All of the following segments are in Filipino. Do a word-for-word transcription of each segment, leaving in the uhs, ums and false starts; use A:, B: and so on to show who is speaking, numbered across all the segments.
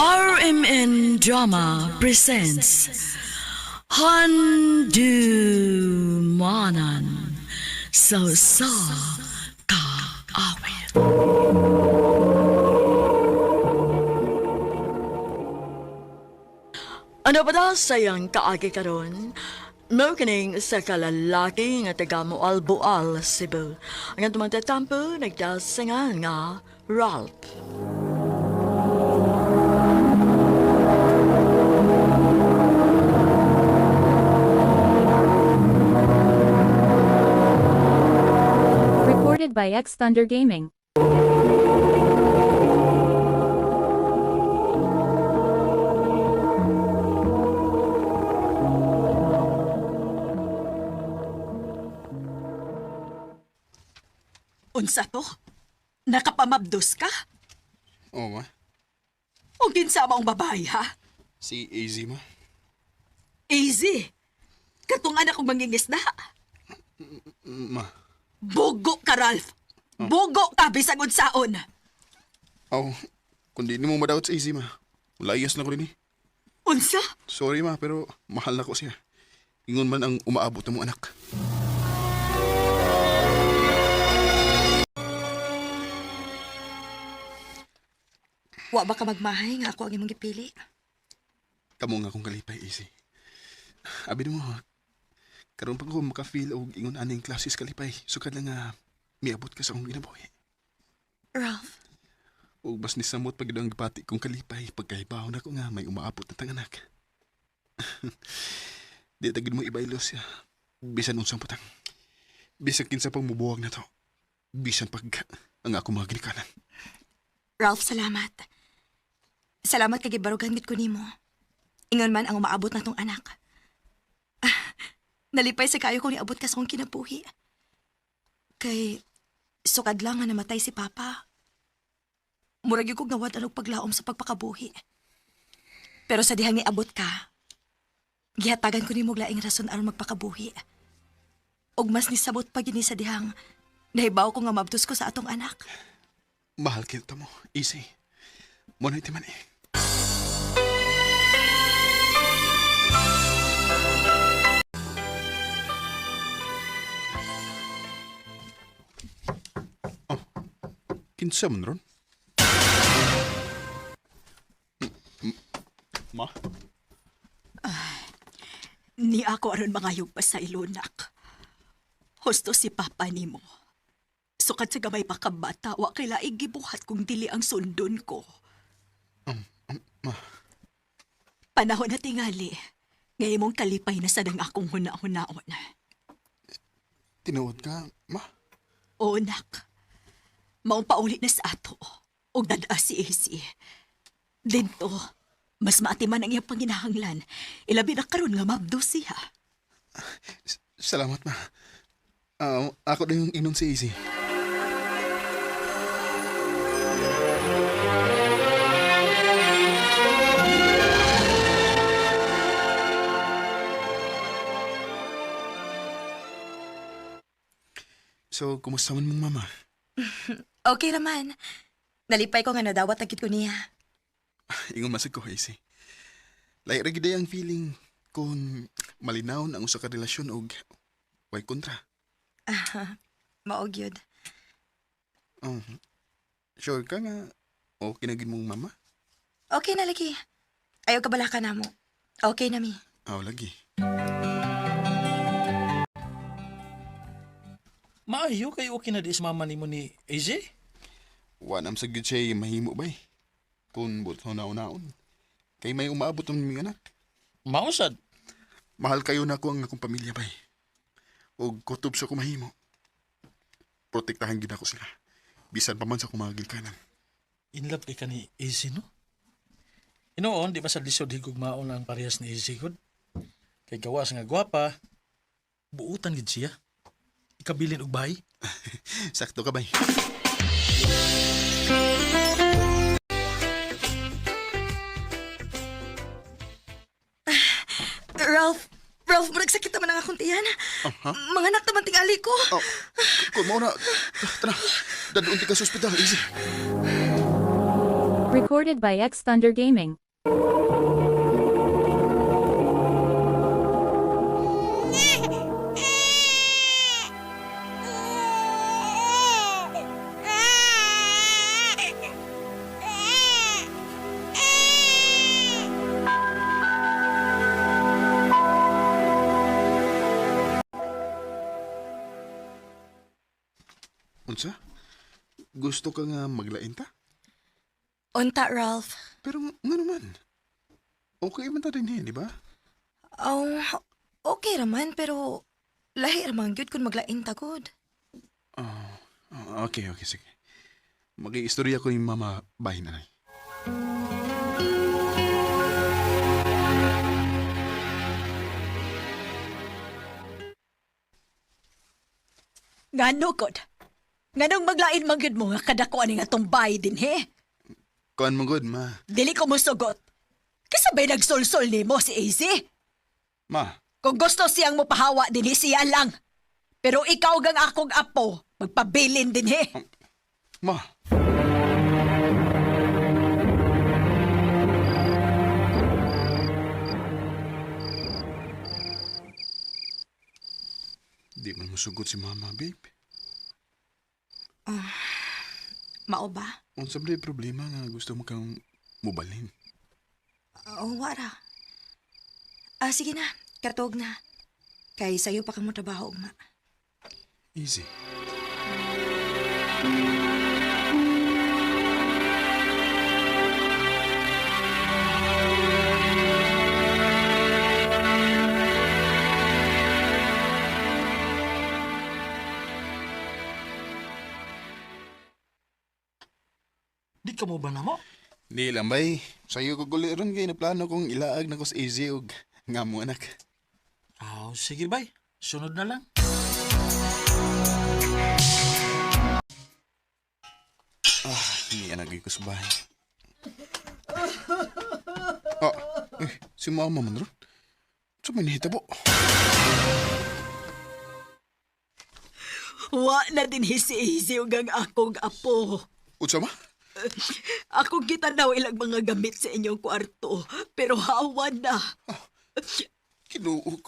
A: R M N Drama presents Handumanan So Sa Ka Awit. Ano ba daw sayang kaagi karon? Mo kining sa kalalaki nga taga Moalboal, Cebu. Ang atong magtatampo nagdasingan nga Ralph.
B: Recorded by X Thunder Gaming.
C: Unsa to? Nakapamabdos ka?
D: Oo, ma.
C: O ginsama ang babae, ha?
D: Si A Z, ma.
C: Easy. Katong anak kong mangingisda.
D: Ma.
C: Bugo ka, Ralph. Bugo ka, bisag unsaon.
D: Aw, kung di mo madawat sa A Z, ma. Layas na ko rin eh.
C: Unsa?
D: Sorry, ma, pero mahal na ko siya. Ingon man ang umaabot ng mong anak.
C: Wa ba ka magmahay nga ako ang imong gipili?
D: Kamo nga akong kalipay, A Z. Abi mo, karon pa ko maka-feel og ingon aning klases kalipay. Sukad lang nga miabot ka sa akong ginabuhi.
C: Ralph,
D: Og bas ni samot pag ang gipati kong kalipay pagkahibaw na ko nga may umaabot na tanganak. Di tagid mo ibaylo siya. Bisan unsang putang. Bisan kinsa pang mubuwag na to. Bisan pag ang ako mga ginikanan.
C: Ralph, salamat. Salamat kay gibarugan gid ko nimo. Ingon man ang umaabot na tong anak. Ah, nalipay sa kayo kung niabot ka sa akong kinabuhi. Kay sukad lang nga namatay si Papa. Murag yung kong nawad anong paglaom sa pagpakabuhi. Pero sa dihang niabot ka, gihatagan ko ni mo laing rason aron magpakabuhi. Og mas nisabot pa gini sa dihang nahibaw ko nga mabtos ko sa atong anak.
D: Mahal kita mo. Easy. Muna iti man eh. Oh. Kinsa man ron? M- m- Ma?
C: Ni ako aron mangayog pa sa ilunak. Husto si Papa nimo. Sukad sa gamay pa kabata, wa kay laig gibuhat kung dili ang sundon ko.
D: Um, um, ma.
C: Panahon na tingali, ngayon mong kalipay na sadang akong huna-hunaon.
D: Tinuod ka, ma?
C: O nak, maong paulit na sa ato, o dada si Isi. Dito, mas maatiman ang iyang panginahanglan, ilabi na karon nga mabdo siya.
D: S- Salamat, ma. Ah, ako na yung inon si Easy. So, kumusta man mong mama?
C: Okay naman. Nalipay ko nga nadawat agit ko niya.
D: Ingon masag ko, Easy. Lahi ra gid ang feeling kung malinaw ang usa ka relasyon og way kontra.
C: Maog yun.
D: Oh. Sure ka nga okay na gid mong mama?
C: Okay na lagi. Ayaw ka bala ka na mo. Okay na mi.
D: Aw lagi.
E: Maayo kay okay na di sa mama nimo ni A J?
D: Wa nam sa gyud siya mahimo bay. Kung buto na unaon. Kay may umaabot ang mga anak.
E: Mausad.
D: Mahal kayo na ko ang akong pamilya bay. Og kutob sa ko mahimo. Protektahan gid ako sila. Bisan pa man sa kumagil kanan.
E: In love kay ka ni A J, no? Inoon, di ba sa lisod higog maon ang parehas ni A J gud? Kay gawas nga gwapa, buutan gid siya. Ikabilin og bahay.
D: Sakto ka bay.
C: Ralph, Ralph, murag sakit naman ang akong tiyan.
D: Aha.
C: Mga anak naman tingali ko.
D: Oh, kung mo na, tara, dadunti ka sa ospital, easy.
B: Recorded by X Thunder Gaming.
D: Unsa? Gusto ka nga maglain ta?
C: Unta, Ralph.
D: Pero nga naman. Okay man ta din eh, di ba?
C: Oh, okay raman, pero lahi raman gyud kung maglain tagod.
D: Ah, okay, okay, sige. Mag-iistorya ko yung mama bahay na.
F: Ngano kod? Nganong maglain manggid mo nga kadako ani nga tong bahay din he?
D: Kuan mo good, ma.
F: Dili ko musugot. Kasabay nagsolsol nimo si A Z.
D: Ma,
F: Kung gusto siyang mopahawa din he, siya lang. Pero ikaw gang akong apo, magpabilin din he.
D: ma. Di man musugot si mama, babe.
C: Mao ba?
D: Unsa ba yung problema nga gusto mo kang mubalin?
C: Oh, wara. Ah, sige na. Kartog na. Kay sayo pa kamo trabaho, ma.
D: Easy.
E: Di ka mo ba na mo?
D: Di lang bay. Sa'yo ko guli ron kay na plano kong ilaag na ko sa easy og nga mo anak.
E: Aw, sige bay. Sunod na lang.
D: Ah, hindi anak ko sa bahay. Ah, eh, si mama man ron. Sa may nahitabo.
F: Wa na din he si A Z gang akong apo.
D: Utsa ma?
F: Ako kita daw ilang mga gamit sa inyong kwarto, pero hawan na.
D: Kinuo ko.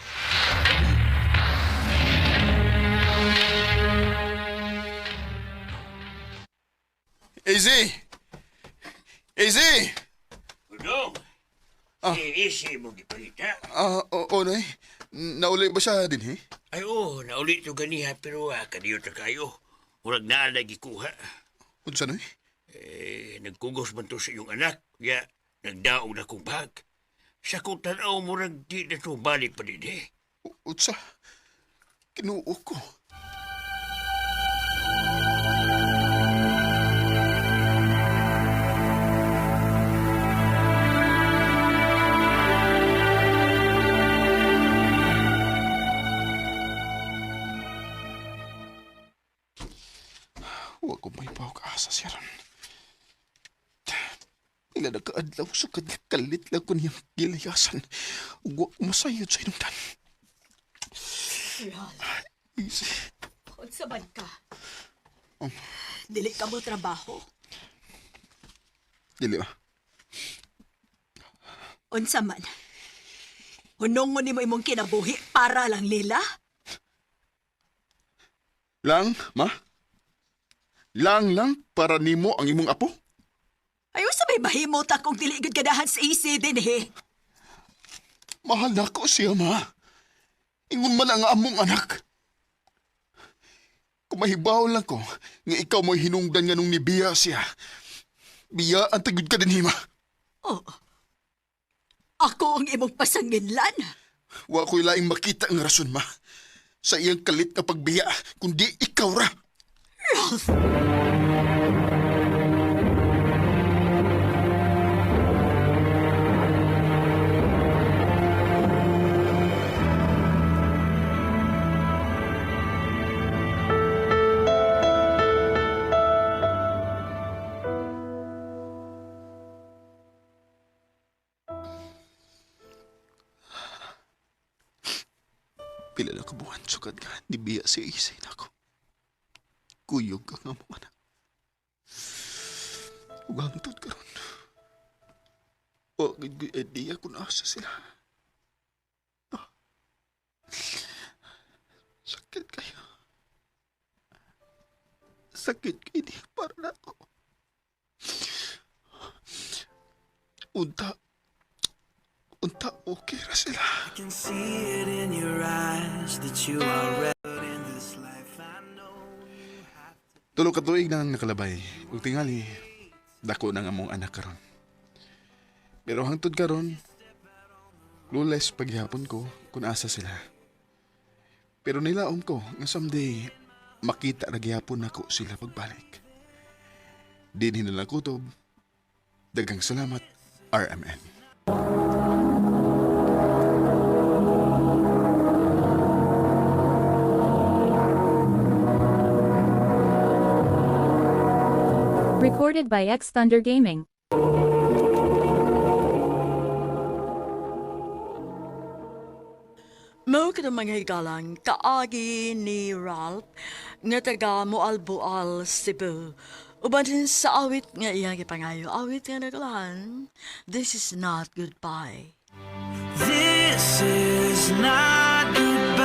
D: Easy! Easy!
G: Udong,
D: Ah.
G: iisi mo gipalita.
D: Ah, o, o, nay. Nauli ba siya din, eh?
G: Ay oo, naulit to ganiha pero ah, kaniyo ta kayo. Murag naa lagi kuha.
D: Unsa, nay?
G: Eh, nagkugos man to sa iyong anak. Ya, nagdaog na kong bag. Sa kong tanaw murag di na to balik pa din eh.
D: U- Utsa. Kinuo ko. Huwag ko may pawag-asa siya ron. Ila na kaadlaw sa kalit lang ko niyang gilayasan. Huwag ko masayod sa inungdan. Easy.
F: Unsa man ka? Dili ka mo trabaho.
D: Dili ba?
F: Unsa man? Hunong mo nimo imong kinabuhi para lang nila?
D: Lang, ma? Lang lang para nimo ang imong apo?
F: Ayaw sabay mahimot akong dili gud ganahan sa A Z din he.
D: Mahal na ko siya, ma. Ingon man ang among anak. Kung mahibaw lang ko, nga ikaw mo'y hinungdan nga nung nibiya siya. Biya ang tagod ka din, ma.
F: Oh. Ako ang imong pasanginlan.
D: Wa ko'y laing makita ang rason, ma. Sa iyang kalit na pagbiya, kundi ikaw ra.
F: Ralph!
D: Pila na kabuhan, sukad nga, nibiya si Isay na ako. Kuyog ka nga mo, anak. Ugangtod ka ron. O, idea kung asa sila. Ah. Sakit kayo. Sakit kayo di para na ako. Unta. Unta, okay ra sila.
H: can see it in your eyes that you are ready in this life. I know you have to.
D: Tulo ka tuig na nakalabay. Ug tingali, dako na nga mong anak karon. Pero hangtod karon, lules paghihapon ko kung asa sila. Pero nilaom ko nga someday makita na gihapon nako sila pagbalik. Din hinalang kutob. Daghang salamat, R M N.
B: Recorded by X Thunder Gaming.
A: Mo ka mga higalang kaagi ni Ralph nga taga Moalboal, Cebu. Uban din sa awit nga iyang ipangayo. Awit nga nagalahan. This is not goodbye.
H: This is not goodbye.